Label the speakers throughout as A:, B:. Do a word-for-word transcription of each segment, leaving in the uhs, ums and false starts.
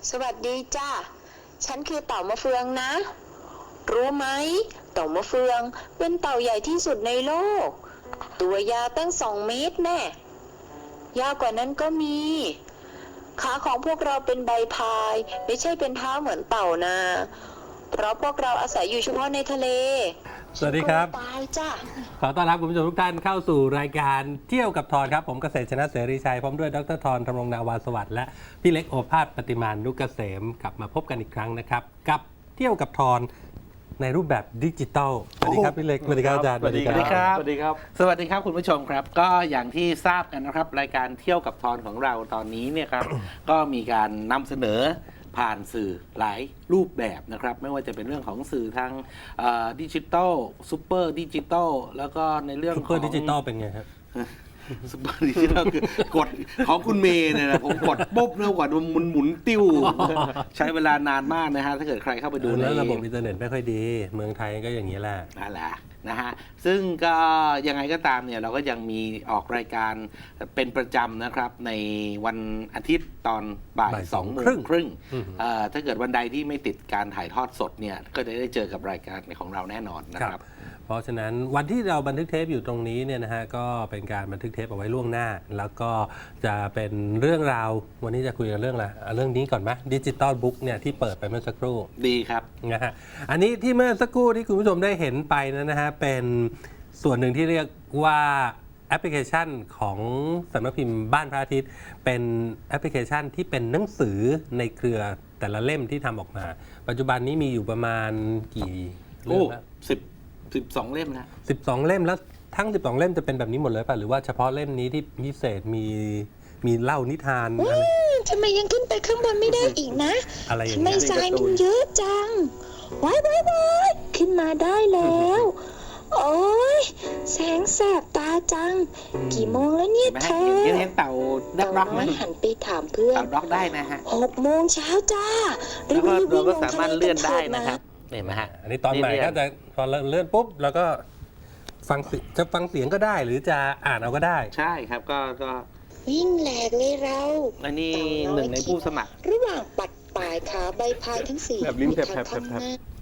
A: สวัสดีจ้าฉันคือเต่ามะเฟืองนะ รู้ไหมเต่ามะเฟืองเป็นเต่าใหญ่ที่สุดในโลก ตัวยาวตั้งสองเมตรแน่ยาวกว่านั้นก็มี ขาของพวกเราเป็นใบพายไม่ใช่เป็นเท้าเหมือนเต่านะ เพราะพวกเราอาศัยอยู่เฉพาะในทะเล
B: สวัสดีครับ
A: ตายจ้า
B: ขอต้อนรับคุณผู้ชมทุกท่านเข้าสู่รายการเที่ยวกับทอนครับผมเกษตรชนะเสรีชัยพร้อมด้วยดรทอนธำรงนาวาสวัสดิ์และพี่เล็กโอภาสปฏิมานุกเกษมกลับมาพบกันอีกครั้งนะครับกับเที่ยวกับทอนในรูปแบบดิจิตอลสวัสดีครับพี่เล็กสวัสดีครับอาจารย์
C: สวัสดีครับ
D: สวัสดีครับ
C: สวัสดีครับคุณผู้ชมครับ ก็อย่างที่ทราบกันนะครับรายการเที่ยวกับทอนของเราตอนนี้เนี่ยครับ ก็มีการนำเสนอผ่านสื่อหลายรูปแบบนะครับไม่ว่าจะเป็นเรื่องของสื่อทางดิจิตอลซูเปอร์ดิจิตอลแล้วก็ในเรื่อง
B: ซุป
C: ข
B: เปอ
C: อง
B: ร์ดิจิตอลเป็นไงครับ
C: ซูเปอร์ดิจิตอลคือกดของคุณเมย์เนี่ยนะผมกดปุ๊บเร็วกว่ามันหมุนติ้วใช้เวลานานมากนะฮะถ้าเกิดใครเข้าไปดูใน
B: แล้วระบบอินเทอร์เน็ตไม่ค่อยดีเมืองไทยก็อย่างนี้แหละ
C: นั่นแหละนะฮะซึ่งก็ยังไงก็ตามเนี่ยเราก็ยังมีออกรายการเป็นประจำนะครับในวันอาทิตย์ตอนบ่าย
B: บ่าย
C: สองโมง
B: ครึ่ง
C: ครึ่ง
B: อืม
C: เอ่อถ้าเกิดวันใดที่ไม่ติดการถ่ายทอดสดเนี่ยก็จะได้เจอกับรายการของเราแน่นอนนะครับ
B: เพราะฉะนั้นวันที่เราบันทึกเทปอยู่ตรงนี้เนี่ยนะฮะก็เป็นการบันทึกเทปเอาไว้ล่วงหน้า แล้วก็จะเป็นเรื่องราววันนี้จะคุยกันเรื่องอะไรเอาเรื่องนี้ก่อนไหมดิจิตอลบุ๊กเนี่ยที่เปิดไปเมื่อสักครู่
C: ดีครับ
B: นะฮะอันนี้ที่เมื่อสักครู่ที่คุณผู้ชมได้เห็นไปนั้นนะฮะเป็นส่วนหนึ่งที่เรียกว่าแอปพลิเคชันของสำนักพิมพ์บ้านพระอาทิตย์เป็นแอปพลิเคชันที่เป็นหนังสือในเครือแต่ละเล่มที่ทำออกมา ปัจจุบันนี้มีอยู่ประมาณกี่เล่
C: โอ้
B: มแล้ว
C: สิบสิบสองเล่มนะ
B: สิบสองเล่มแล้วทั้งสิบสองเล่มจะเป็นแบบนี้หมดเลยป่ะหรือว่าเฉพาะเล่มนี้ที่พิเศษมีมีเล่านิทานอะไร
A: ทำไมยังขึ้นไปข้างบนไม่ได้อีกนะ
B: อะไรอย่าง
A: ทำไม
B: เงี้ย
A: ทรายมันเยอะจังว้ายว้ายว้ายขึ้นมาได้แล้ว โอ้ยแสงแสบตาจัง กี่โมงแล้วเนี่ย
C: เห็นไหม
A: เธ
C: ฮะ
A: อ
C: เห็นเห็นเต่าดัก
A: เต่า
C: ด็อกไหม
A: น้อยหันไปถามเพื่อน
C: เต่าด็อกได้นะฮะ
A: หกโมงเช้าจ้า
C: แล้วก็
A: รีบๆ
C: เราก็
A: วิ่งลง
C: สามารถ
A: ทะ
C: เลื่อนได้
A: กั
C: นะครับเห็นไหมฮะ
B: อันนี้ตอนใหม่ก็จะพอเลื่อนปุ๊บแล้วก็ฟังเสียงจะฟังเสียงก็ได้หรือจะอ่านเอาก็ได้
C: ใช่ครับก็ก็
A: วิ่งแหลกเลยเรา
C: อันนี้หนึ่งในผู้สมัคร
A: ระหว่างปัดปลายขาใบพายทั้งสี่
D: แบบลิ้นแผลบๆ
A: ทางข้างหน้า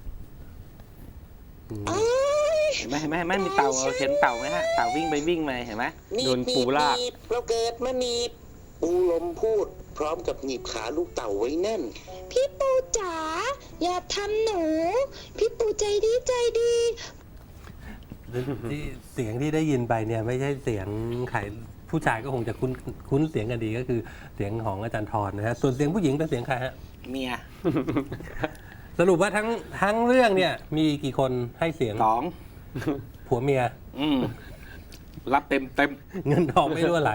B: อืม
A: โอ้ย
C: เห็นไหมเห็นไหมเห็นไหมมีเต่าเห็นเต่าไหมฮะเต่าวิ่งไปวิ่งมาเห็นไหม
D: โดนปูลาก
E: หนีบเราเกิดมาหนีบปูลมพูด พร้อมกับหนีบขาลูกเต่าไว้แน่น
A: พี่ปูจ๋าอย่าทำหนู พี่ปูใจดีใจดี
B: ที่เสียงที่ได้ยินไปเนี่ยไม่ใช่เสียงใครผู้ชายก็คงจะคุ้นคุ้นเสียงกันดีก็คือเสียงของอาจารย์ทรนะฮะส่วนเสียงผู้หญิงเป็นเสียงใครฮะ
C: เมีย
B: สรุปว่าทั้งทั้งเรื่องเนี่ยมีกี่คนให้เสียง
C: สอง
B: ผัวเมีย
C: อืมรับเต็มเต็ม
B: เงินทองไม่รั่วไหล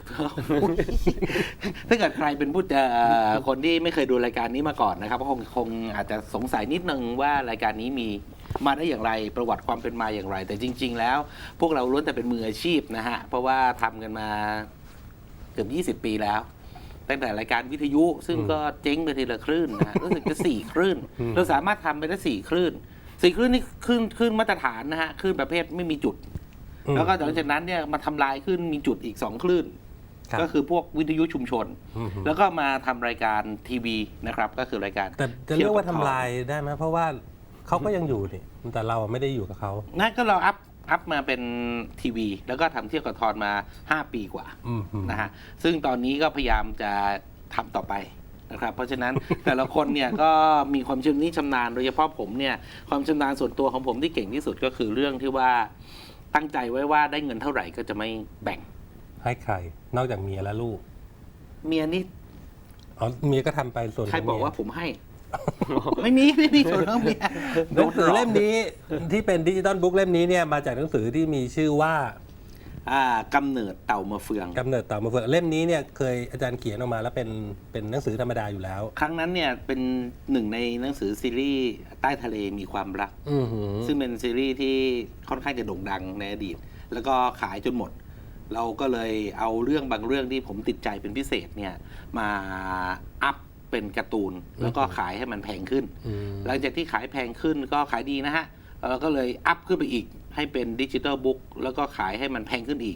C: ถ้าเกิดใครเป็นผู้เอ่อคนที่ไม่เคยดูรายการนี้มาก่อนนะครับก็คงคงอาจจะสงสัยนิดนึงว่ารายการนี้มีมาได้อย่างไรประวัติความเป็นมาอย่างไร แต่จริง ๆ แล้ว พวกเราล้วนแต่เป็นมืออาชีพนะฮะเพราะว่าทำกันมาเกือบยี่สิบปีแล้ว ตั้งแต่รายการวิทยุ ซึ่งก็เจ๊งไปทีละคลื่นนะฮะรู้สึกจะสี่คลื่น
B: อืม
C: เราสามารถทำไปได้สี่คลื่นสี่คลื่นนี่คลื่นคลื่นมาตรฐานนะฮะคลื่นประเภทไม่มีจุด แล้วก็หลังจากนั้นเนี่ยมาทำลายขึ้นมีจุดอีกสองคลื่น
B: ครับ
C: ก็คือพวกวิทยุชุมชน
B: อืม
C: แล้วก็มาทำรายการทีวีนะครับ ก็คือรายการ
B: แต่จะเรียกว่า
C: เที่
B: ทำ
C: ยวกับ
B: ลายได้ไหมเพราะว่าเขาก็ยังอยู่นี่แต่เราไม่ได้อยู่กับเขา
C: นั่นก็เราอัพอัพมาเป็นทีวี แล้วก็ทำเที่ยวกับทอนมาห้าปีกว่า
B: อืมอืม
C: นะฮะซึ่งตอนนี้ก็พยายามจะทำต่อไปนะครับ เพราะฉะนั้น แต่ละคนเนี่ยก็มีความชำนิชำนาญโดยเฉพาะผมเนี่ยความชำนาญส่วนตัวของผมที่เก่งที่สุดก็คือเรื่องที่ว่าตั้งใจไว้ว่าได้เงินเท่าไหร่ก็จะไม่แบ่ง
B: ให้ใคร นอกจากเมียและลูก
C: เมียนี่
B: อ๋อเมียก็ทำไปส่วนขง
C: ใครบอก
B: เมีย
C: ว่าผมให้ ไม่มีไม่มีส่วนของเมีย
B: หนังสือเล่มนี้ที่เป็นดิจิตอลบุ๊กเล่มนี้เนี่ยมาจากหนังสือที่มีชื่อว่า
C: อ่ากำเนิดเต่ามาเฟือง
B: กำเนิดเต่ามาเฟืองเล่มนี้เนี่ยเคยอาจารย์เขียนออกมาแล้วเป็นเป็นหนังสือธรรมดาอยู่แล้ว
C: ครั้งนั้นเนี่ยเป็นหนึ่งในหนังสือซีรีส์ใต้ทะเลมีความรัก
B: อือหือ
C: ซึ่งเป็นซีรีส์ที่ค่อนข้างจะโด่งดังในอดีต แล้วก็ขายจนหมด เราก็เลยเอาเรื่องบางเรื่องที่ผมติดใจเป็นพิเศษเนี่ยมาอัพเป็นการ์ตูน แล้วก็ขายให้มันแพงขึ้น
B: อืม
C: หลังจากที่ขายแพงขึ้นก็ขายดีนะฮะเราก็เลยอัพขึ้นไปอีกให้เป็นดิจิทัลบุ๊กแล้วก็ขายให้มันแพงขึ้นอีก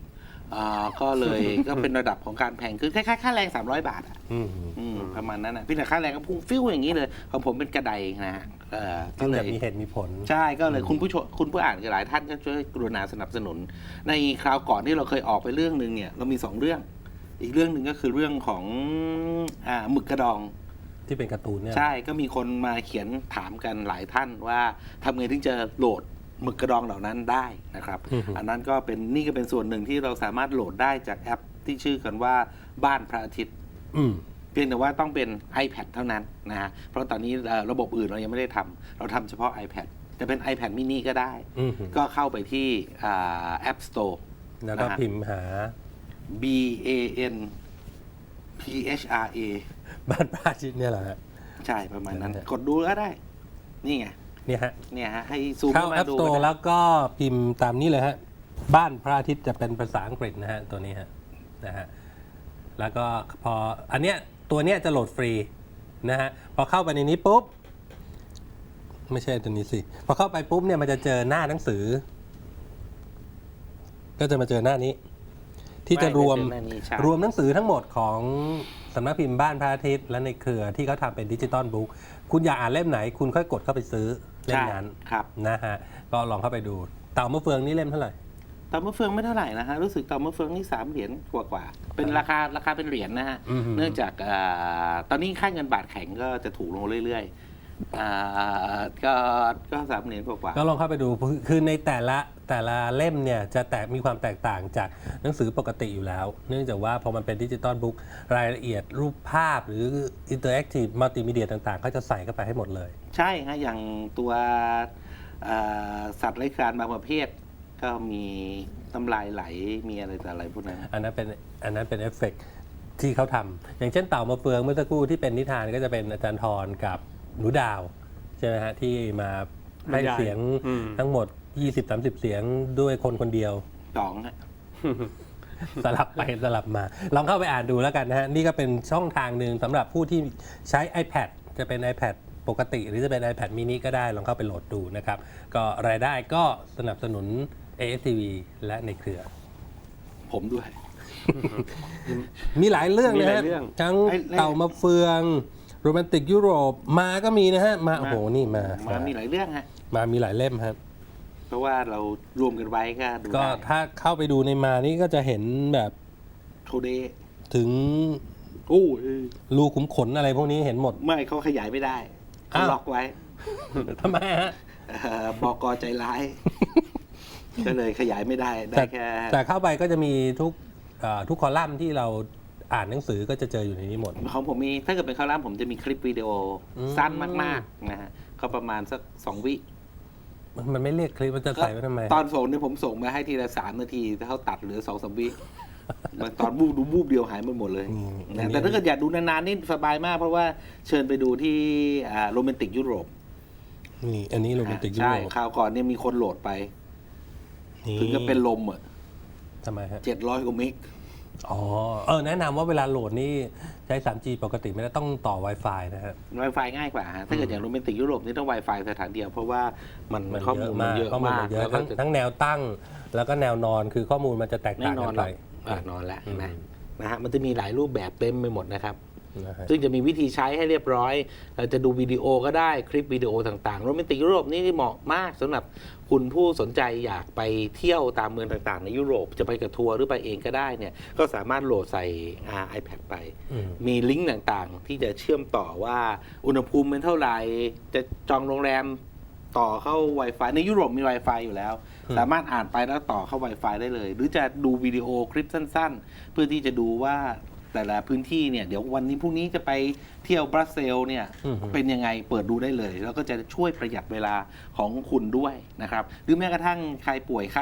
C: อ่าก็เลย ก็เป็นระดับของการแพงขึ้นคล้ายๆค่าแรงสามร้อยบาทอ่ะ
B: อืม
C: อืมประมาณนั้นนะพี่แต่ค่าแรงก็พุ่งฟิวอย่างนี้เลยของผมเป็นกระไดนะฮะเออก็
B: ก็
C: เล
B: จะ
C: ย
B: มีเหตุมีผล
C: ใช่ก็เลยคุณผู้ชมคุณผู้อ่านหลายท่านก็ช่วยกรุณาสนับสนุน ในคราวก่อนที่เราเคยออกไปเรื่องหนึ่งเนี่ยเรามีสองเรื่อง อีกเรื่องหนึ่งก็คือเรื่องของอ่าหมึกกระดอง
B: ที่เป็นการ์ตูนเนี่ย
C: ใช่ก็มีคนมาเขียนถามกันหลายท่านว่าทำไงถึงจะโหลดหมึกกระดองเหล่านั้นได้นะครับ
B: อือฮึ
C: อันนั้นก็เป็นนี่ก็เป็นส่วนหนึ่งที่เราสามารถโหลดได้จากแอปที่ชื่อกันว่าบ้านพระอาทิตย์
B: อืม
C: เพียงแต่ว่าต้องเป็น iPad เท่านั้นนะฮะ เพราะตอนนี้เอ่อระบบอื่นเรายังไม่ได้ทำ เราทำเฉพาะ iPad จะเป็น iPad mini ก็ได้
B: อืม
C: ก็เข้าไปที่อ่า App Store
B: แล้วก็
C: นะฮะ
B: พิมพ์หา
C: B A N P H R A
B: บ้านพระอาทิตย์เนี่ยแหละฮะ
C: ใช่ประมาณนั้น
B: นั่นแหละ
C: กดดูก็ได้ นี่ไง
B: เนี่ยฮะ
C: เนี่ยฮะ ให้ซูม
B: เข้า
C: เข้ามา
B: App
C: ดู
B: Store
C: ก็ได้
B: แล้วก็พิมพ์ตามนี้เลยฮะ บ้านพระอาทิตย์จะเป็นภาษาอังกฤษนะฮะ ตัวนี้ฮะนะฮะแล้วก็พออันเนี้ยตัวเนี้ยจะโหลดฟรีนะฮะพอเข้าไปในนี้ปุ๊บ ไม่ใช่ตัวนี้สิ พอเข้าไปปุ๊บเนี่ยมันจะเจอหน้าหนังสือ ก็จะมาเจอหน้านี้ ที่จะรวม
C: ไไเจอหน้านี้ใช่
B: รวมหนังสือทั้งหมดของสำนักพิมพ์บ้านพระอาทิตย์และในเครือที่เขาทำเป็นดิจิตอลบุ๊กคุณอยากอ่านเล่มไหน คุณค่อยกดเข้าไปซื้อเล่มนั้น
C: ใช่ครับ
B: นะฮะก็ลองเข้าไปดู เต่ามะเฟืองนี่เล่มเท่าไหร่
C: เต่ามะเฟืองไม่เท่าไหร่นะฮะ รู้สึกเต่ามะเฟืองนี่สามเหรียญกว่ากว่าๆเป็นราคาราคาเป็นเหรียญนะฮะ
B: อืม
C: เนื่องจากอ่าตอนนี้ค่าเงินบาทแข็งก็จะถูกลงเรื่อยๆอ่าก็ก็สามเหรียญกว่าๆ
B: ก็ลองเข้าไปดูคือคือในแต่ละแต่ละเล่มเนี่ยจะแตกมีความแตกต่างจากหนังสือปกติอยู่แล้ว เนื่องจากว่าพอมันเป็นดิจิตอลบุ๊กรายละเอียดรูปภาพหรืออินเตอร์แอคทีฟมัลติมีเดียต่างๆเขาจะใส่เข้าไปให้หมดเลย
C: ใช่ฮะอย่างตัวอ่าสัตว์ไร้คลานบางประเภท ก็มีน้ำลายไหลมีอะไรแต่อะไรพวกนั้น
B: อันนั้นเป็นอันนั้นเป็นเอฟเฟกต์ที่เขาทำอย่างเช่นเต่ามาเฟืองเมื่อสักครู่ที่เป็นนิทานก็จะเป็นอาจารย์ทรกับหนูดาวใช่ไหมฮะที่มาให้เสียง
D: อืม
B: ทั้งหมด ยี่สิบถึงสามสิบ เสียงด้วยคนคนเดียว
C: สองฮะ
B: สลับไปสลับมา ลองเข้าไปอ่านดูแล้วกันนะฮะ นี่ก็เป็นช่องทางหนึ่งสำหรับผู้ที่ใช้ iPad จะเป็น iPad ปกติ หรือจะเป็น iPad mini ก็ได้ ลองเข้าไปโหลดดูนะครับ ก็รายได้ก็สนับสนุน เอ เอส ที วี และในเครือ
C: ผมด้วย
B: มีหลายเรื่อง
D: มี
B: นะ
D: หลาย
B: ฮะ
D: เรื่อง
B: ทั้ง
C: ไอ้ไอ้
B: เต่ามาเฟืองโรแมนติกยุโรปมาก็มีนะฮะ มา โอ้โห นี่มา
C: มามีหลายเรื่องฮะ
B: มามีหลายเล่มครับ
C: เพราะว่าเรารวมกันไว้ก็ดู
B: ก็
C: ได้
B: ถ้าเข้าไปดูในมานี่ก็จะเห็นแบบ
C: โทเดย์
B: ถึง
C: โอ้ย
B: รูขุมขนอะไรพวกนี้เห็นหมด
C: ไม่เขาขยายไม่ได้เขา
B: อ้าว
C: ล็อกไว้
B: ทำไมฮะ
C: เอ่อบอกใจร้าย ก็เลยขยายไม่ได้ได้
B: แต่
C: แค่
B: แต่เข้าไปก็จะมีทุกเอ่อทุกคอลัมน์ที่เราอ่านหนังสือก็จะเจออยู่ในนี้หมด
C: ของผมมีถ้าเกิดเป็นคอลัมน์ผมจะมีคลิปวิดีโออ
B: ม
C: สั้นมากๆนะฮะก็ประมาณสักสองวิ
B: มันมันไม่เรียกคลิปมันจะใส่ไว้ทำไม
C: ตอนส่งเนี่ยผมส่งมาให้ทีละสามนาทีถ้าเขาตัดเหลือสองสามวิบางตอนบูบดูบูบเดียวหายไปหมดเลย
B: อืม
C: นะแต่ถ้าเกิดอยากดูนานๆนี่สบายมากเพราะว่าเชิญไปดูที่โรแมนติกยุโรป
B: นี่อันนี้โรแมนติกยุ
C: ใช่
B: โรป
C: คราวก่อนเนี่ยมีคนโหลดไป ถึงก็เป็นลมอ่ะ
B: ทำไมฮะ
C: เจ็ดร้อยกว่าเมก
B: อ๋อเออแนะนำว่าเวลาโหลดนี่ใช้ ทรีจี ปกติไม่ได้ต้องต่อ Wi-Fi นะฮะ
C: Wi-Fi ง่ายกว่าฮะถ้าเกิดอย่างโรแมนติกยุโรปนี่ต้อง Wi-Fi สถานเดียว เพราะว่ามัน
B: มัน
C: ข้อ
B: เย
C: มูล
B: อะ
C: มัน
B: มาก
C: เยอะ
B: ข้อมูล
C: มา
B: มั
C: ก
B: นเยอะ
C: แล้วก็
B: ทั้งทั้งแนวตั้ง แล้วก็แนวนอนคือข้อมูลมันจะแตก
C: แน่
B: ต่าง
C: นอ
B: กัน น
C: หร
B: ไป
C: อกอ่ะนอนแล้วเห็นไหม
B: อืม
C: นะฮะมันจะมีหลายรูปแบบเต็มไปหมดนะครับ
B: นะฮะ
C: ซึ่งจะมีวิธีใช้ให้เรียบร้อย เราจะดูวิดีโอก็ได้คลิปวิดีโอต่างๆโรแมนติกยุโรปนี่เหมาะมากสำหรับคุณผู้สนใจอยากไปเที่ยวตามเมืองต่างๆ ในยุโรปจะไปกับทัวร์หรือไปเองก็ได้เนี่ยก็สามารถโหลดใส่อ่า iPad ไป
B: อืม
C: มีลิงก์ต่างๆ ที่จะเชื่อมต่อว่าอุณหภูมิเป็นเท่าไหร่ จะจองโรงแรมต่อเข้า Wi-Fi ในยุโรปมี Wi-Fi อยู่แล้ว
B: อืม
C: สามารถอ่านไปแล้วต่อเข้า Wi-Fi ได้เลย หรือจะดูวิดีโอคลิปสั้นๆ เพื่อที่จะดูว่าแต่ละพื้นที่เนี่ยเดี๋ยววันนี้พรุ่งนี้จะไปเที่ยวบรัสเซลส์เนี่ย
B: อืม
C: เป็นยังไงเปิดดูได้เลย แล้วก็จะช่วยประหยัดเวลาของคุณด้วยนะครับ หรือแม้กระทั่งใครป่วยไข้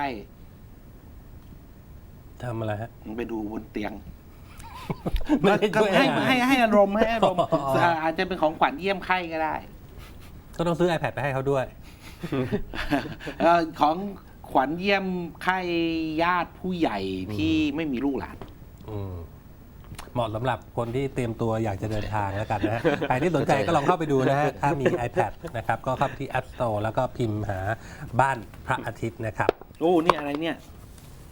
B: ทำอะไรฮะ
C: ไปดูบนเตียง
B: ไม่ได้
C: ก็
B: ช่วย
C: ให้
B: อะไร
C: ให้ให้อารมณ์ให้อารมณ์
B: อ๋อ
C: อ่าอาจจะเป็นของขวัญเยี่ยมไข้ก็ได้
B: ก็ต้องซื้อ iPad ไปให้เขาด้วย
C: เอ่อของขวัญเยี่ยมไข้ญาติผู้ใหญ่ที่ไม่มีลูกหลาน
B: อืมเหมาะสำหรับคนที่เตรียมตัวอยากจะเดินทางแล้วกันนะฮะ ใครที่สนใจก็ลองเข้าไปดูนะฮะ ถ้ามี iPad นะครับ ก็เข้าไปที่ App Store แล้วก็พิมพ์หาบ้านพระอาทิตย์นะครับ
C: โอ้นี่อะไรเนี่ย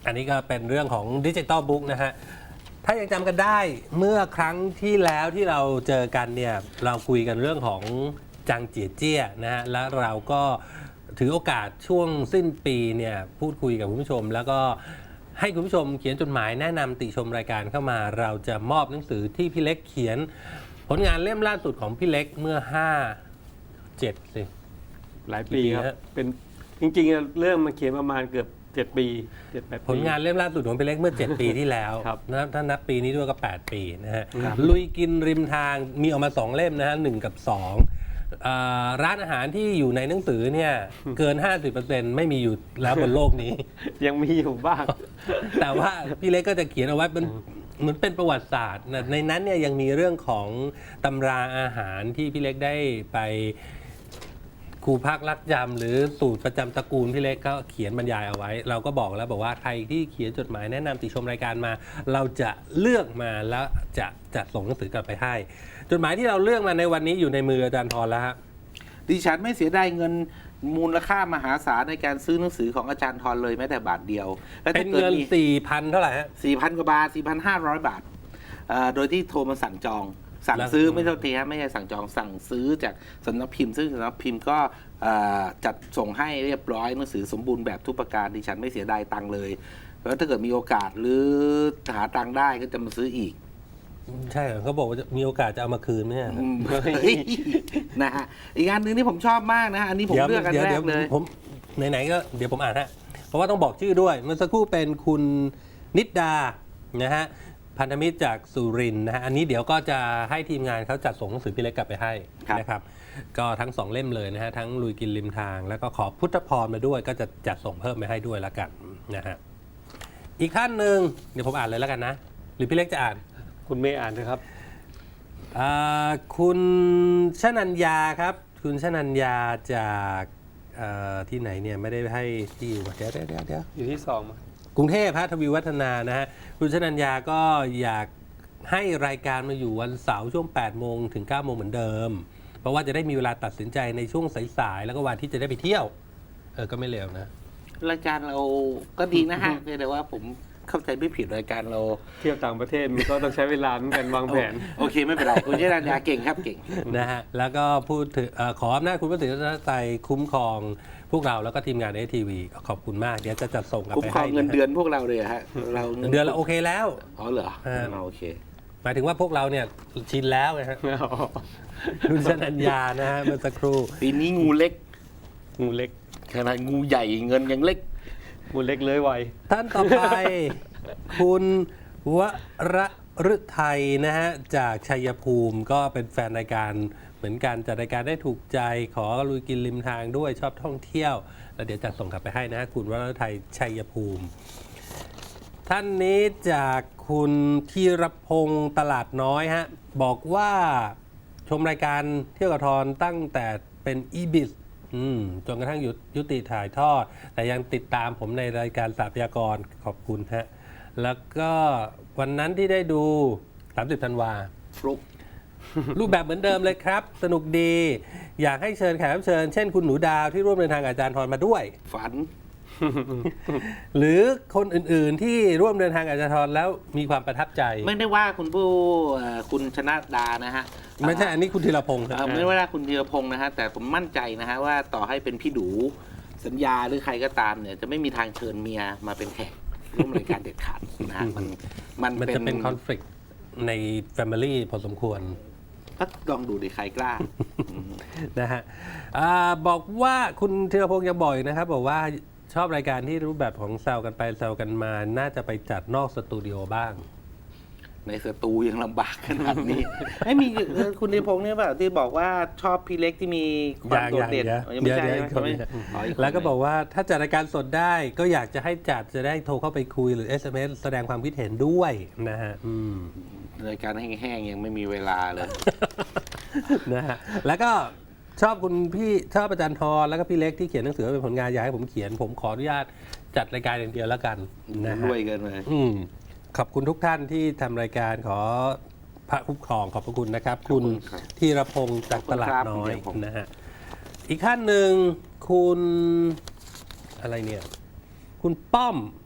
B: อันนี้ก็เป็นเรื่องของดิจิตอลบุ๊กนะฮะ ถ้ายังจำกันได้เมื่อครั้งที่แล้วที่เราเจอกันเนี่ยเราคุยกันเรื่องของจางเจียเจี้ยนะฮะแล้วเราก็ถือโอกาสช่วงสิ้นปีเนี่ยพูดคุยกับคุณผู้ชม แล้วก็ให้คุณผู้ชมเขียนจดหมายแนะนำติชมรายการเข้ามา เราจะมอบหนังสือที่พี่เล็กเขียนผลงานเล่มล่าสุดของพี่เล็กเมื่อห้า เจ็ดสิ
D: หลายปีครั
B: กี่ปีฮะ
D: บเป็นจริงๆเริ่มมาเขียนประมาณเกือบเจ็ดปีเจ็ดแปดปี
B: ผลงานเล่มล่าสุดของพี่เล็กเมื่อ เจ็ด ปีที่แล้ว
D: ครับ
B: นะถ้านับปีนี้ด้วยก็ แปด ปีนะฮะ
D: ครับ
B: ลุยกินริมทางมีออกมา สอง เล่มนะฮะหนึ่งกับสองอ่าร้านอาหารที่อยู่ในหนังสือเนี่ยเกิน ห้าสิบเปอร์เซ็นต์ ไม่มีอยู่แล้วบนโลกนี้
D: ยังมีอยู่บ้าง
B: แต่ว่าพี่เล็กก็จะเขียนเอาไว้เป็นเหมือนเป็นประวัติศาสตร์นะในนั้นเนี่ยยังมีเรื่องของตำราอาหารที่พี่เล็กได้ไปครูพักรักจำหรือสูตรประจำตระกูลพี่เล็กก็เขียนบรรยายเอาไว้ เราก็บอกแล้วบอกว่าใครที่เขียนจดหมายแนะนำติชมรายการมา เราจะเลือกมาแล้วจะจะส่งหนังสือกลับไปให้ จดหมายที่เราเลือกมาในวันนี้อยู่ในมืออาจารย์ทรแล้วฮะ
C: ดิฉันไม่เสียดายเงินมูลค่ามหาศาลในการซื้อหนังสือของอาจารย์ทรเลยแม้แต่บาทเดียว และ
B: เป็
C: ถ้าน เกิด
B: เงิน
C: มี
B: สี่พันเท่าไหร่ฮะ
C: สี่พันกว่าบาท สี่พันห้าร้อย บาทเอ่อโดยที่โทรมาสั่งจอง สั่ง
B: แล้ว
C: ซื้อไม่เท่าทีฮะไม่ใช่สั่งจองสั่งซื้อจากสำนักพิมพ์ ซึ่งสำนักพิมพ์ก็เอ่อจัดส่งให้เรียบร้อยหนังสือสมบูรณ์แบบทุกประการดิฉันไม่เสียดายตังค์เลยแล้วถ้าเกิดมีโอกาสหรือหาตังค์ได้ก็จะมาซื้ออีก
B: ใช่เหรอเขาบอกว่าจะมีโอกาสจะเอามาคืนไหมฮะ
C: อืมเฮ้ยนะฮะอีกอันหนึ่งที่ผมชอบมากนะฮะอันนี้ผมเลือกอันแร
B: ดี๋ยว
C: กเลย
B: ผมไหนๆก็เดี๋ยวผมอ่านฮะเพราะว่าต้องบอกชื่อด้วยเมื่อสักครู่เป็นคุณนิดดานะฮะพันธมิตรจากสุรินทร์นะฮะอันนี้เดี๋ยวก็จะให้ทีมงานเขาจัดส่งหนังสือพี่เล็กกลับไปให้
C: ครับ
B: นะครับก็ทั้งสองเล่มเลยนะฮะทั้งลุยกินริมทาง แล้วก็ขอพุทธพรมาด้วย ก็จะจัดส่งเพิ่มไปให้ด้วยละกันนะฮะอีกท่านหนึ่งเดี๋ยวผมอ่านเลยแล้วกันนะหรือพี่เล็กจะอ่าน
D: คุณเมย์อ่านนะครับ
B: อ่าคุณชนัญญาครับ คุณชนัญญาจากเอ่อที่ไหนเนี่ยไม่ได้ให้ที่อยู่เดี๋ยวเดี๋ยวเดี๋ยวเดี๋ยว
D: อยู่ที่สอง
B: กรุงเทพฮะทวีวัฒนานะฮะคุณชนัญญาก็อยากให้รายการมาอยู่วันเสาร์ช่วงแปดโมงถึงเก้าโมงเหมือนเดิม เพราะว่าจะได้มีเวลาตัดสินใจในช่วงสายๆแล้วก็วันที่จะได้ไปเที่ยวเออก็ไม่เลวนะ
C: รายการเราก็ดีนะฮะเพียงแต่ว่าผมเข้าใจไม่ผิดรายการเรา
D: เที่ยวต่างประเทศมันก็ต้องใช้เวลาเหมือนกันวางแผน
C: โอเคไม่เป็นไร คุณเจรัญญาเก่งครับเก่ง
B: นะฮะแล้วก็พูดถึงเอ่อขออำนาจคุณพระศรีรัตนตรัยคุ้มครองพวกเราแล้วก็ทีมงานเอทีวีขอบคุณมากเดี๋ยวจะจัดส่งกลับ
C: คุ้ม
B: ไป
C: ครอ
B: ให้
C: งเงิน
B: นะ
C: เดือนพวกเราเลยฮะเรา
B: เดือนละโอเคแล้ว
C: อ๋อเหรอ
B: เออ
C: อ๋อโอเค
B: หมายถึงว่าพวกเราเนี่ยชินแล้วนะฮะคุณชนัญญานะฮะเมื่อสักครู่
C: ปีนี้งูเล็ก
D: งูเล็ก
C: ขนาดงูใหญ่เงินยังเล็ก
D: งูเล็กเลื้อยไว
B: ท่านต่อไป คุณวรฤทัยนะฮะจากชัยภูมิก็เป็นแฟนรายการเหมือนกันจัดรายการได้ถูกใจขอลุยกินริมทางด้วยชอบท่องเที่ยว แล้วเดี๋ยวจัดส่งกลับไปให้นะฮะคุณวรฤทัยชัยภูมิ ท่านนี้จากคุณธีรพงศ์ตลาดน้อยฮะบอกว่าชมรายการเที่ยวกับทรตั้งแต่เป็นอีบิสจนกระทั่งยุยุติถ่ายทอด แต่ยังติดตามผมในรายการสาพยากรขอบคุณฮะแล้วก็วันนั้นที่ได้ดู สามสิบ ธันวา
C: ฟลุก
B: รูปแบบเหมือนเดิมเลยครับ สนุกดี อยากให้เชิญแขกรับเชิญ เช่นคุณหนูดาวที่ร่วมเดินทางกับอาจารย์ทรมาด้วย
C: ฝัน
B: หรือคนอื่นๆที่ร่วมเดินทางกับอาจารย์ทรแล้วมีความประทับใจ
C: ไม่ได้ว่าคุณผู้เอ่อคุณชนะดานะฮะ
B: ไม่ใช่อันนี้คุณธีรพงศ์ค
C: เอ่
B: รั
C: อบ ไม่ได้ว่าคุณธีรพงศ์นะฮะแต่ผมมั่นใจนะฮะว่าต่อให้เป็นพี่ดูสัญญาหรือใครก็ตามเนี่ยจะไม่มีทางเชิญเมียมาเป็นแขกร่วมรายการเด็ดขาดนะฮะมันมัน
B: มันจะเป็นคอน FLICT ใน Family พอสมควร
C: ก็ลองดูดิใครกล้า
B: นะฮะอาบอกว่าคุณธีรพงศ์ยังบอกอีกนะครับ บอกว่าชอบรายการที่รูปแบบของแซวกันไปแซวกันมา น่าจะไปจัดนอกสตูดิโอบ้าง
C: ในสตูยังลำบากขนาดนี้ ไม่มีเออคุณธีรพงศ์เนี่ยแบบที่บอกว่าชอบพี่เล็กที่มีความโดดเด่น
B: อย่างๆ
C: ยังไม่ใช่
B: เดี๋ยว
C: ใช่ไหม
B: เดี๋ยว
C: อ๋ออีคน
B: แล้วก็บอกว่าถ้าจัดรายการสดได้ก็อยากจะให้จัดจะได้โทรเข้าไปคุยหรือ เอส เอ็ม เอส แสดงความคิดเห็นด้วยนะฮะอืม
C: รายการแห้งๆยังไม่มีเวลาเลย
B: นะฮะแล้วก็ชอบคุณพี่ชอบอาจารย์ทรแล้วก็พี่เล็กที่เขียนหนังสือเป็นผลงานอยากให้ผมเขียน ผมขออนุญาตจัดรายการอย่างเดียวแล้วกันนะฮะ
C: ด้วยกันเลย
B: อืมขอบคุณทุกท่านที่ทำรายการขอพระคุ้มครองขอบพระคุณนะครับ คุณ
C: ขอบคุณครับ
B: ธีรพงศ์จากตลาดน้อย
C: ขอบคุณครับ
B: นะฮะอีกท่านหนึ่งคุณอะไรเนี่ย คุณป้อม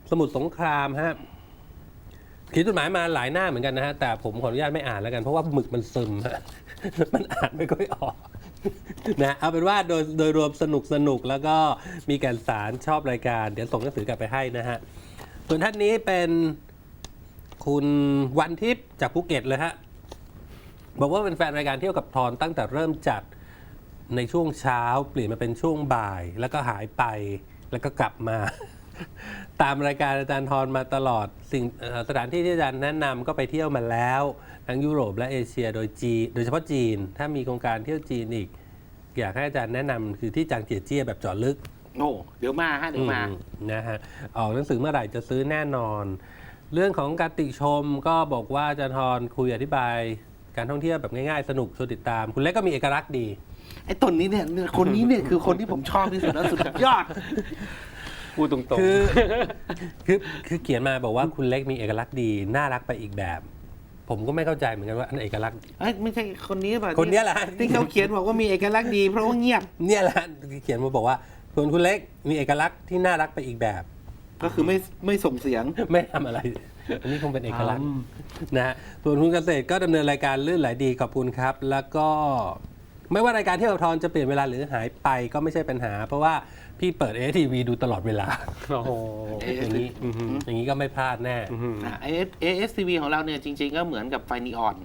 B: สมุทรสงครามฮะเขียนจดหมายมาหลายหน้าเหมือนกันนะฮะแต่ผมขออนุญาตไม่อ่านแล้วกันเพราะว่าหมึกมันซึมฮะ มันอ่านไม่ค่อยออกนะเอาเป็นว่าโดยโดยรวมสนุกสนุกแล้วก็มีการสารชอบรายการเดี๋ยวส่งหนังสือกลับไปให้นะฮะส่วนท่านนี้เป็นคุณวันทิพย์จากภูเก็ตเลยฮะบอกว่าเป็นแฟนรายการเที่ยวกับทอนตั้งแต่เริ่มจัดในช่วงเช้าเปลี่ยนมาเป็นช่วงบ่ายแล้วก็หายไปแล้วก็กลับมา ตามรายการอาจารย์ทรมาตลอดสิ่งเอ่อสถานที่ที่อาจารย์แนะนำก็ไปเที่ยวมาแล้วทั้งยุโรปและเอเชียโดยจีนโดยเฉพาะจีนถ้ามีโครงการเที่ยวจีนอีก อยากให้อาจารย์แนะนำคือที่จางเจียเจี้ยแบบเจาะลึก
C: โอ้เดี๋ยวมาฮะเดี๋ยวมา
B: อืมนะฮะออกหนังสือเมื่อไหร่จะซื้อแน่นอน เรื่องของการติชมก็บอกว่าอาจารย์ทรคุยอธิบายการท่องเที่ยวแบบง่ายๆสนุกชวนติดตาม คุณเล็กก็มีเอกลักษณ์ดี
C: ไอ้ตนนี้เนี่ยคนนี้เนี่ยคือคนที่ผมชอบที่สุดแล้วสุดยอด
D: พูดตรงๆ
B: คือคือคือเขียนมาบอกว่าคุณเล็กมีเอกลักษณ์ดีน่ารักไปอีกแบบ ผมก็ไม่เข้าใจเหมือนกันว่าอันเอกลักษณ์
C: เอ้ยไม่ใช่คนนี้ป่ะ
B: คนเนี้ยแหละ
C: ที่เขาเขียนบอกว่ามีเอกลักษณ์ดีเพราะว่าเงียบ
B: เนี่ยแหละเขียนมาบอกว่าส่วนคุณเล็กมีเอกลักษณ์ที่น่ารักไปอีกแบบ
C: ก็คือไม่ไม่ส่งเสียง
B: ไม่ทำอะไร อันนี้คงเป็นเอกลักษณ์นะฮะส่วนคุณเกษตรก็ดำเนินรายการลื่นไหลดีขอบคุณครับ แล้วก็ไม่ว่ารายการเที่ยวกับทอนจะเปลี่ยนเวลาหรือหายไปก็ไม่ใช่ปัญหา เพราะว่าพี่เปิด เอ เอส ที วี ดูตลอดเวลา
D: โอ้โห
B: อย่างนี้อย่างนี้ก็ไม่พลาดแน่
D: อื้อหือ
C: เอเอเอสทีวีของเราเนี่ยจริง ๆ ก็เหมือนกับไฟนีออน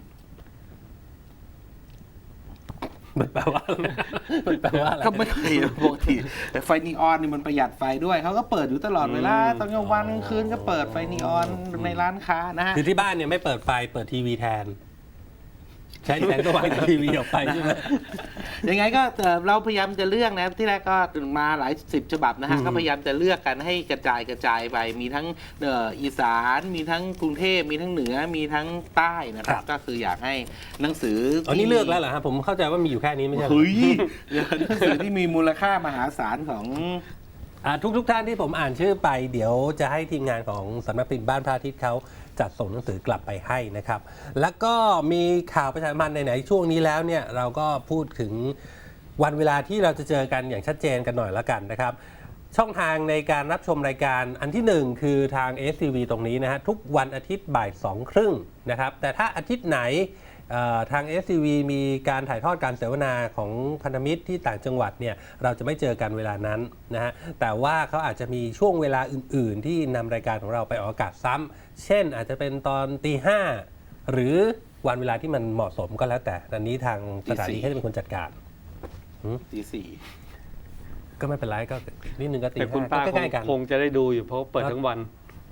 B: มันแปลว่าอะไรมันแปลว่าอะไร
C: ก็ไม่เคยปกติแต่ไฟนีออนนี่มันประหยัดไฟด้วยเขาก็เปิดอยู่ตลอดเวลาตอนกลางวันกลางคืนก็เปิดไฟนีออนในร้านค้านะฮะ
B: คือที่บ้านเนี่ยไม่เปิดไฟเปิดทีวีแทน ใช้แสงสว่างจากทีวีออกไปใช่ไหม
C: ยังไงก็เอ่อเราพยายามจะเลือกนะที่แรกก็มาหลายสิบฉบับนะฮะ
B: อืม
C: ก็พยายามจะเลือกกันให้กระจายกระจายไปมีทั้งเอ่ออีสานมีทั้งกรุงเทพมีทั้งเหนือมีทั้งใต้นะครับก็คืออยากให้หนังสือ
B: อ๋อนี่เลือกแล้วเหรอฮะผมเข้าใจว่ามีอยู่แค่นี้ไม่ใช่เหรอ
C: เฮ้ยหนังสือที่มีมูลค่ามหาศาลของ
B: อ่าทุกทุกท่านที่ผมอ่านชื่อไปเดี๋ยวจะให้ทีมงานของสำนักพิมพ์บ้านพระอาทิตย์เขาจัดส่งหนังสือกลับไปให้นะครับ แล้วก็มีข่าวประชาสัมพันธ์ไหนๆช่วงนี้แล้วเนี่ยเราก็พูดถึงวันเวลาที่เราจะเจอกันอย่างชัดเจนกันหน่อยละกันนะครับ ช่องทางในการรับชมรายการอันที่หนึ่งคือทาง เอส ที วี ตรงนี้นะฮะทุกวันอาทิตย์บ่ายสองครึ่งนะครับแต่ถ้าอาทิตย์ไหนเอ่อทาง เอส ที วี มีการถ่ายทอดการเสวนาของพันธมิตรที่ต่างจังหวัดเนี่ยเราจะไม่เจอกันเวลานั้นนะฮะแต่ว่าเขาอาจจะมีช่วงเวลาอื่น ๆ ที่นำรายการของเราไปออกอากาศซ้ำเช่นอาจจะเป็นตอนตีห้าหรือวันเวลาที่มันเหมาะสมก็แล้วแต่อันนี้ทางสถานีเขาจะเป็นคนจัดการ
C: ตีสี่
B: ก็ไม่เป็นไรก็นิดนึงก็ตี
D: แต่คุณ
B: ห้า
D: ป้า
B: ก็
D: ค
B: ใก
D: ง
B: ล้ๆกัน
D: คงจะได้ดูอยู่เพราะเปิดทั้งวัน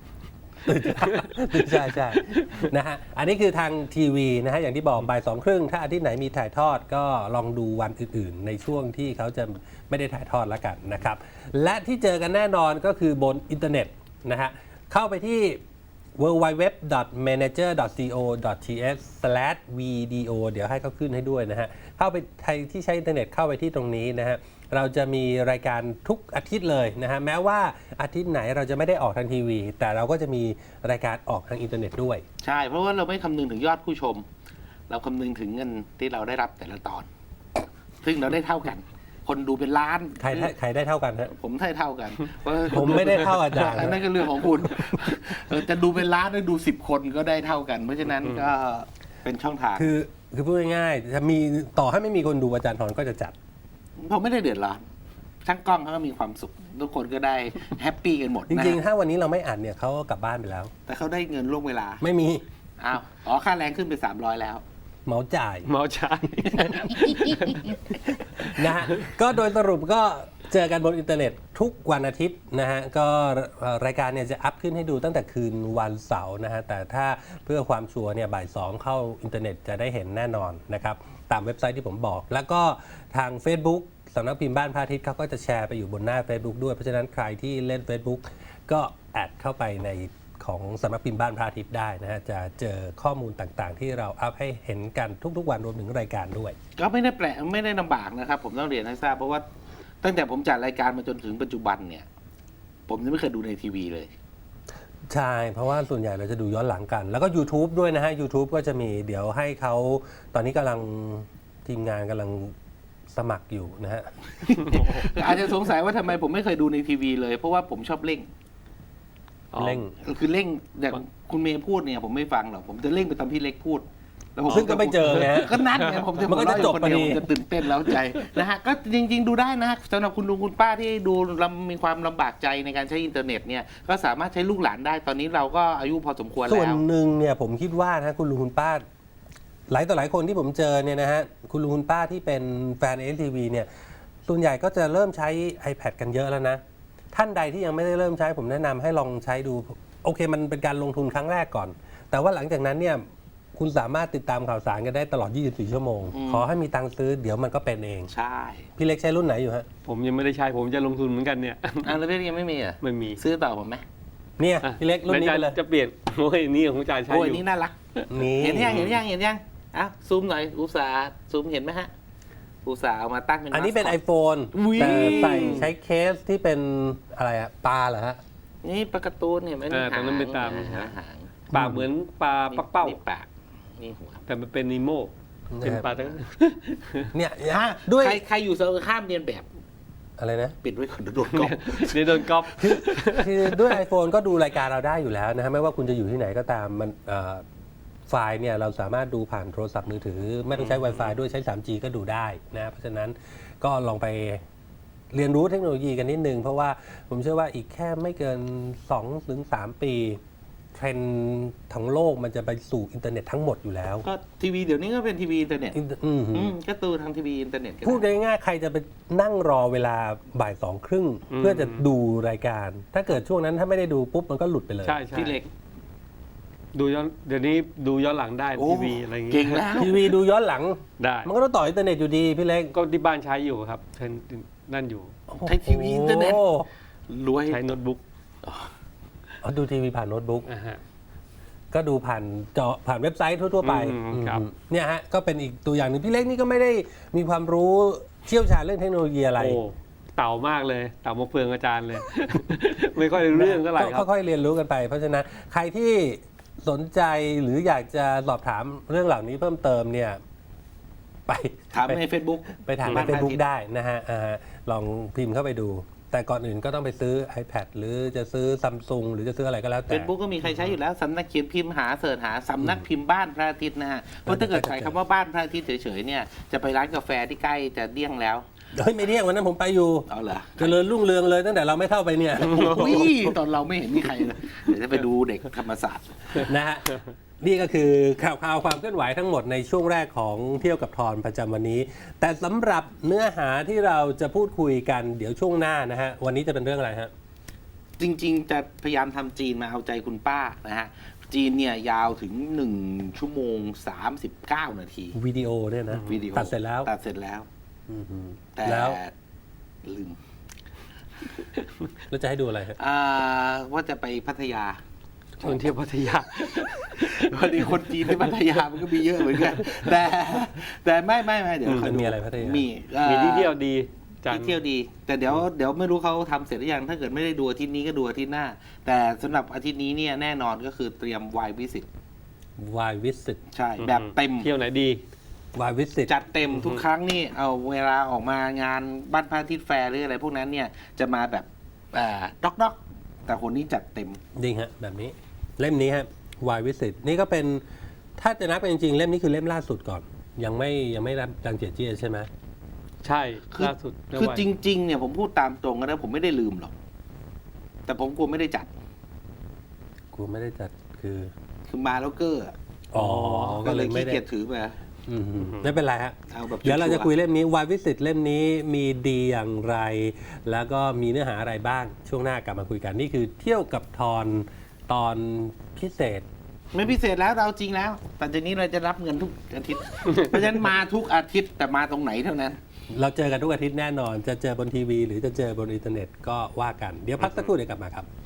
B: ใช่ใช่นะฮะอันนี้คือทางทีวีนะฮะอย่างที่บอกบ่ายสองครึ่งถ้าอาทิตย์ไหนมีถ่ายทอดก็ลองดูวันอื่นๆ ในช่วงที่เขาจะไม่ได้ถ่ายทอดแล้วกันนะครับ และที่เจอกันแน่นอนก็คือบนอินเทอร์เน็ตนะฮะเข้าไปที่ ดับเบิลยู ดับเบิลยู ดับเบิลยู ดอท แมเนเจอร์ ดอท ซี โอ ดอท ที เอช สแลช วี ดี โอ เดี๋ยวให้เขาขึ้นให้ด้วยนะฮะเข้าไปใครที่ใช้อินเทอร์เน็ตเข้าไปที่ตรงนี้นะฮะเราจะมีรายการทุกอาทิตย์เลยนะฮะแม้ว่าอาทิตย์ไหนเราจะไม่ได้ออกทางทีวี แต่เราก็จะมีรายการออกทางอินเทอร์เน็ตด้วย
C: ใช่เพราะว่าเราไม่คำนึงถึงยอดผู้ชม เราคำนึงถึงเงินที่เราได้รับแต่ละตอน ซึ่งเราได้เท่ากัน คนดูเป็นล้าน
B: ใครได้ใครได้เท่ากันฮะ
C: ผมได้เท่ากันเพราะ
B: ผมไม่ได้เท่าอาจารย์
C: อันนั้นก็เรื่องของคุณเออจะดูเป็นล้านหรือดูสิบคนก็ได้เท่ากัน เพราะฉะนั้นก็เป็นช่องทาง
B: คือคือพูดง่ายๆจะมีต่อให้ไม่มีคนดูอาจารย์ทรก็จะจัด
C: ผมไม่ได้เดือดร้อนช่างกล้องเขาก็มีความสุข ทุกคนก็ได้แฮปปี้กันหมด
B: จ
C: นะ
B: ริงๆ ถ้าวันนี้เราไม่อัดเนี่ยเขาก็กลับบ้านไปแล้ว
C: แต่เขาได้เงินล่วงเวลา
B: ไม่มี
C: อ้าวอ๋อค่าแรงขึ้นไปสามร้อยแล้ว
B: เหมาจ่าย
D: เมาใช่
B: นะฮะก็โดยสรุปก็เจอกันบนอินเทอร์เน็ตทุกวันอาทิตย์นะฮะก็เอ่อรายการเนี่ยจะอัพขึ้นให้ดูตั้งแต่คืนวันเสาร์นะฮะแต่ถ้าเพื่อความชัวร์เนี่ยบ่ายสองเข้าอินเทอร์เน็ตจะได้เห็นแน่นอนนะครับตามเว็บไซต์ที่ผมบอก แล้วก็ทาง Facebook สำนักพิมพ์บ้านพระอาทิตย์เขาก็จะแชร์ไปอยู่บนหน้า Facebook ด้วยเพราะฉะนั้นใครที่เล่น Facebook ก็แอดเข้าไปในของสำนักพิมพ์บ้านพระอาทิตย์ได้นะฮะจะเจอข้อมูลต่างๆ ที่เราอัพให้เห็นกันทุกๆวันรวมถึงรายการด้วย
C: ก็ไม่ได้แปลกไม่ได้ลำบากนะครับ ผมต้องเรียนให้ทราบเพราะว่าตั้งแต่ผมจัดรายการมาจนถึงปัจจุบันเนี่ย ผมยังไม่เคยดูในทีวีเลย
B: ใช่ เพราะว่าส่วนใหญ่เราจะดูย้อนหลังกัน แล้วก็ YouTube ด้วยนะฮะ YouTube ก็จะมีเดี๋ยวให้เขาตอนนี้กำลังทีมงานกำลังสมัครอยู่นะฮะ
C: อาจจะสงสัยว่าทำไมผมไม่เคยดูในทีวีเลย เพราะว่าผมชอบเล่ง
D: อ๋อ
B: เร่ง
C: คือเร่งแต่คุณเมย์พูดเนี่ยผมไม่ฟังหรอกผมจะเร่งไปตามพี่เล็กพูดแล้วผม
B: ซึ่งก็ไม่เจอไงฮะ
C: ก็นั่นไงผมจะ
B: มันก็จะจบ
C: หัวเราอยู่คนเดียว
B: พอดี
C: ผมจะตื่นเต้นแล้วใจนะฮะก็จริง ๆ ดูได้นะสำหรับคุณลุงคุณป้าที่ดูลำมีความลำบากใจในการใช้อินเทอร์เน็ตเนี่ยก็สามารถใช้ลูกหลานได้ตอนนี้เราก็อายุพอสมควร
B: ส่วน
C: แล้ว
B: หนึ่งเนี่ยผมคิดว่านะคุณลุงคุณป้า หลายต่อหลายคนที่ผมเจอเนี่ยนะฮะคุณลุงคุณป้าที่เป็นแฟน เอ ที วี เนี่ยส่วนใหญ่ก็จะเริ่มใช้ iPad กันเยอะแล้วนะ ท่านใดที่ยังไม่ได้เริ่มใช้ผมแนะนำให้ลองใช้ดูโอเคมันเป็นการลงทุนครั้งแรกก่อน แต่ว่าหลังจากนั้นเนี่ยคุณสามารถติดตามข่าวสารกันได้ตลอด ยี่สิบสี่ ชั่วโมง
C: อืม
B: ขอให้มีตังค์ซื้อเดี๋ยวมันก็เป็นเอง
C: ใช่
B: พี่เล็กใช้รุ่นไหนอยู่ฮะ
D: ผมยังไม่ได้ใช้ผมจะลงทุนเหมือนกันเนี่ย
C: อ่ะแล้วพี่ยังไม่มีเหรอ่ะ
D: ไม่มี
C: ซื้อต่อผมไหม
B: เนี่ย
D: อ่ะ
B: พี่เล็กรุ่นนี้ไปเลย
D: แวจะจะเปลี่ยนโอ้ยนี่ของจ่ายใช้
C: โอ้
D: อย ยู่
C: นี่น่ารัก
B: นี่
C: เห็นยังเห็นยังเห็นยังอ่ะซูมหน่อยอุตสาห์ซูมเห็นไหมฮะอุตสาห์เอามาตั้งเป็น
B: อันนี้เป็น
C: มาสคอต
B: iPhone
C: อุ๊ย
B: แต่ใส่ใช้เคสที่เป็นอะไรอะปลาเหรอฮะ
C: นี่ปลาการ์ตูนเห็นไหม
D: เออตรงนั้นเป็นตาม
C: หางหาง
D: ปากเหมือนปลาปักเป้า
C: นี่ปากนี่หัว
D: แต่มันเป็นนีโมเป็นปลาทั้ง
B: เนี่ย
C: อ่ะ
B: ด้วย
C: ใครใครอยู่เซอร์ข้ามเรียนแบบ
B: อะไรนะ
C: ปิดไว้ก่อนเดี๋ยวโดนกล้อง
D: เดี๋ยวโดนก๊อป
B: คือด้วย iPhone ก็ดูรายการเราได้อยู่แล้วนะฮะไม่ว่าคุณจะอยู่ที่ไหนก็ตามมันเอ่อไฟล์เนี่ยเราสามารถดูผ่านโทรศัพท์มือถือ ไม่ต้องใช้ Wi-Fi ด้วยใช้ ทรีจี ก็ดูได้นะเพราะฉะนั้นก็ลองไปเรียนรู้เทคโนโลยีกันนิดนึง เพราะว่าผมเชื่อว่าอีกแค่ไม่เกิน สองถึงสาม ปี เทรนด์ทั้งโลกมันจะไปสู่อินเทอร์เน็ตทั้งหมดอยู่แล้ว
C: ก็ทีวีเดี๋ยวนี้ก็เป็นทีวีอินเทอร์เน็ต
B: อินเตอร์อืม
C: อืมก็ตูทางทีวีอินเทอร์เน็ตก็ไ
B: พูดง่ายๆใครจะไปนั่งรอเวลาบ่ายสองครึ่ง
D: อืม
B: เพื่อจะดูรายการ ถ้าเกิดช่วงนั้นถ้าไม่ได้ดูปุ๊บมันก็หลุดไปเลย
D: ใช่ใช่
C: พี่เล็ก
D: ดูย้อนเดี๋ยวนี้ดูย้อนหลังได้
C: โอ้
D: ทีวีอะไรอย่าง
C: เก่
D: เงี้
C: ง
D: ย
C: แล้ว
B: ทีวีดูย้อนหลัง
D: ได้
B: มันก็ต้องต่ออินเทอร์เน็ตอยู่ดีพี่เล็ก
D: ก็ที่บ้านใช้อยู่ครับใช้นั่นอยู่
C: ใช้ทีวีอินเทอร์เน็ต
B: โ
C: รวย
D: ใช้โน้ตบุ๊ก
B: อ๋อดูทีวีผ่านโน้ตบุ๊ก
D: อ่าฮะ
B: ก็ดูผ่านจอผ่านเว็บไซต์ทั่วๆไป
D: อืมครับ
B: อืมเนี่ยฮะก็เป็นอีกตัวอย่างหนึ่งพี่เล็กนี่ก็ไม่ได้มีความรู้เชี่ยวชาญเรื่องเทคโนโลยีอะไร
D: โอ้เต่ามากเลย เต่ามาเฟืองอาจารย์เลย ไม่ค่อยรู้เรื่องเท่าไหร่ครับ
B: ก็ค่อยๆเรียนรู้กันไป เพราะฉะนั้นใครที่สนใจหรืออยากจะสอบถามเรื่องเหล่านี้เพิ่มเติมเนี่ยไป
C: ถาม
B: ไป
C: ใน Facebook
B: ไปถามใน
C: บ้าน
B: เฟซบุ๊ก
C: พระอาทิตย์
B: ได้นะฮะอ่าลองพิมพ์เข้าไปดู แต่ก่อนอื่นก็ต้องไปซื้อ iPad หรือจะซื้อซัมซุงหรือจะซื้ออะไรก็แล้ว
C: เฟ
B: แต่
C: ซบุ๊กก็มีใครใช้อยู่แล้วสำนักเขียนพิมพ์หาเสิร์ชหาสำนักพิมพ์บ้านพระอาทิตย์นะฮะเพราะถ้าเกิดใส่คำว่าบ้านพระอาทิตย์เฉยๆเนี่ยจะไปร้านกาแฟที่ใกล้จะเดี้ยงแล้ว
B: เฮ้ยไม่เรียกวันนั้นผมไปอยู่
C: เอาเหรอ
B: เจริญรุ่งเรืองเลยตั้งแต่เราไม่เข้าไปเนี่ย
C: อุ้ยตอนเราไม่เห็นมีใครเลยเดี๋ยวจะไปดูเด็กธรรมศาสตร์
B: นะฮะนี่ก็คือข่าวข่าวความเคลื่อนไหวทั้งหมดในช่วงแรกของเที่ยวกับทอนประจำวันนี้ แต่สำหรับเนื้อหาที่เราจะพูดคุยกันเดี๋ยวช่วงหน้านะฮะวันนี้จะเป็นเรื่องอะไรฮะ
C: จริงๆ จะพยายามทำจีนมาเอาใจคุณป้านะฮะจีนเนี่ยยาวถึงหนึ่งชั่วโมงสามสิบเก้านาที
B: วิดีโอเนี่ยนะ
C: วิดีโอ
B: ตัดเสร็จแล้ว
C: ตัดเสร็จแล้ว
B: อือหือ
C: แต่
B: แล้ว
C: ลืม
B: เราจะให้ดูอะไรฮะ
C: อ่าว่าจะไปพัทยา
D: ชวนเที่ยวพัทยา
C: พอดีคนจีนที่พัทยามันก็มีเยอะเหมือนกัน แต่แต่ไม่ไม่ไม่เดี๋ยว
B: อืม
C: คอย
B: มัน
C: ดู
B: มีอะไรพัทยามี
C: มีอ่า
D: มีที่เที่ยวดีจัน
C: ที่เที่ยวดี แต่เดี๋ยวเดี๋ยวไม่รู้เขาทำเสร็จหรือยัง ถ้าเกิดไม่ได้ดูอาทิตย์นี้ก็ดูอาทิตย์หน้า แต่สำหรับอาทิตย์นี้เนี่ยแน่นอนก็คือเตรียมวายวิสิต
B: วายวิสิต
C: ใช่ แบบเต็ม
D: เที่ยวไหนดี
B: วายวิสิต
C: จัดเต็มทุกครั้งนี่เอาเวลาออกมางานบ้านพระอาทิตย์แฟร์หรืออะไรพวกนั้นเนี่ยจะมาแบบอ่าด็อกด็อกแต่คนนี้จัดเต็ม
B: จริงฮะแบบนี้เล่มนี้ฮะวายวิสิตนี่ก็เป็นถ้าจะนับเป็นจริงๆเล่มนี้คือเล่มล่าสุดก่อน ยังไม่ยังไม่รับดังเจียเจี้ยใช่ไหม
D: ใช่
C: คือ
D: ล่าสุดเมื่
C: คือ
D: วาน
C: จริงๆเนี่ยผมพูดตามตรงนะผมไม่ได้ลืมหรอก แต่ผมกลัวไม่ได้จัด
B: กูไม่ได้จัดคือ
C: คือมาแล้วเกอร์อะ
B: อ๋อ
C: ก็
B: ก็
C: เล
B: เลย ย
C: ขี้
B: ไม่ได้
C: เกียจถือมา
B: อืมไม่เป็นไรฮะ
C: เอาแบบ
B: เดี๋ยวเราจะคุย
C: ชัวร์
B: เล่มนี้วายวิสิตเล่มนี้มีดีอย่างไร แล้วก็มีเนื้อหาอะไรบ้างช่วงหน้ากลับมาคุยกัน นี่คือเที่ยวกับทอนตอนพิเศษ
C: ๆไม่พิเศษแล้วเราจริงแล้วแต่จากนี้เราจะรับเงินทุกอาทิตย์ เพราะฉะนั้นมาทุกอาทิตย์แต่มาตรงไหนเท่านั้น
B: เราเจอกันทุกอาทิตย์แน่นอน จะเจอบนทีวี หรือจะเจอบนอินเทอร์เน็ตก็ว่ากัน เดี๋ยวพักสักครู่เดี๋ยวกลับมาครับ